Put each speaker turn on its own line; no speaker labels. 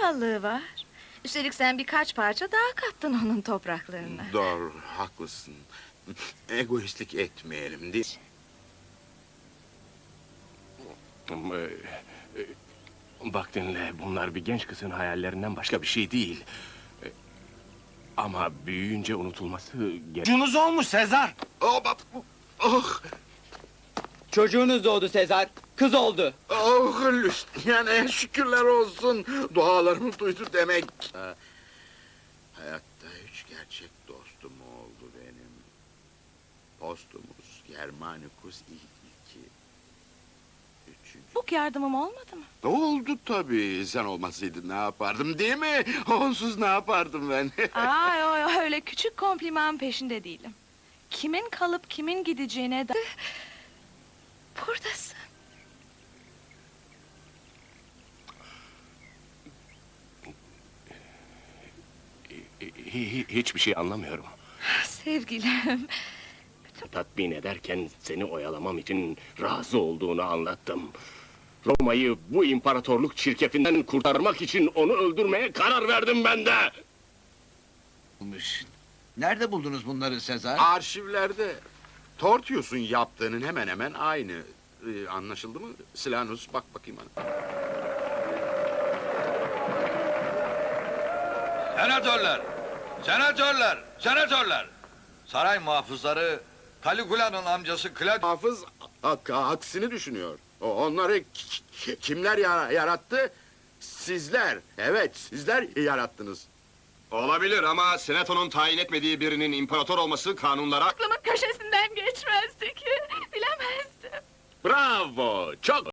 krallığı var. Üstelik sen birkaç parça daha kattın onun topraklarına.
Doğru, haklısın. Egoistlik etmeyelim, değil
Bak dinle, bunlar bir genç kızın hayallerinden başka bir şey değil. Ama büyüyünce unutulması gerek.
Çocuğunuz olmuş Sezar.
Oh,
Çocuğunuz doğdu Sezar. Kız oldu.
oh, Luciana'ya şükürler olsun. Dualarımı duydu demek. Hayatta üç gerçek dostum oldu benim. Postumus, Germanicus II. Üçüncü.
Bu yardımım olmadı mı?
Oldu tabii. Sen olmasaydın ne yapardım, değil mi? Onsuz ne yapardım ben?
Ay, öyle küçük kompliman peşinde değilim. Kimin kalıp kimin gideceğine da... Buradasın.
Hiçbir şey anlamıyorum.
Sevgilim.
Tatmin ederken seni oyalamam için razı olduğunu anlattım. Roma'yı bu imparatorluk çirkefinden kurtarmak için onu öldürmeye karar verdim ben de.
Nerede buldunuz bunları Sezar?
Arşivlerde Tortius'un yaptığının hemen hemen aynı. Anlaşıldı mı? Silanus, bak bakayım bana.
Senatörler! Saray muhafızları Caligula'nın amcası Claudius
Hafız aksini düşünüyor. Onları kimler yarattı? Sizler. Evet, sizler yarattınız.
Olabilir ama senatonun tayin etmediği birinin imparator olması kanunlara...
Aklımın köşesinden geçmezdi ki. Bilemezdim.
Bravo, çok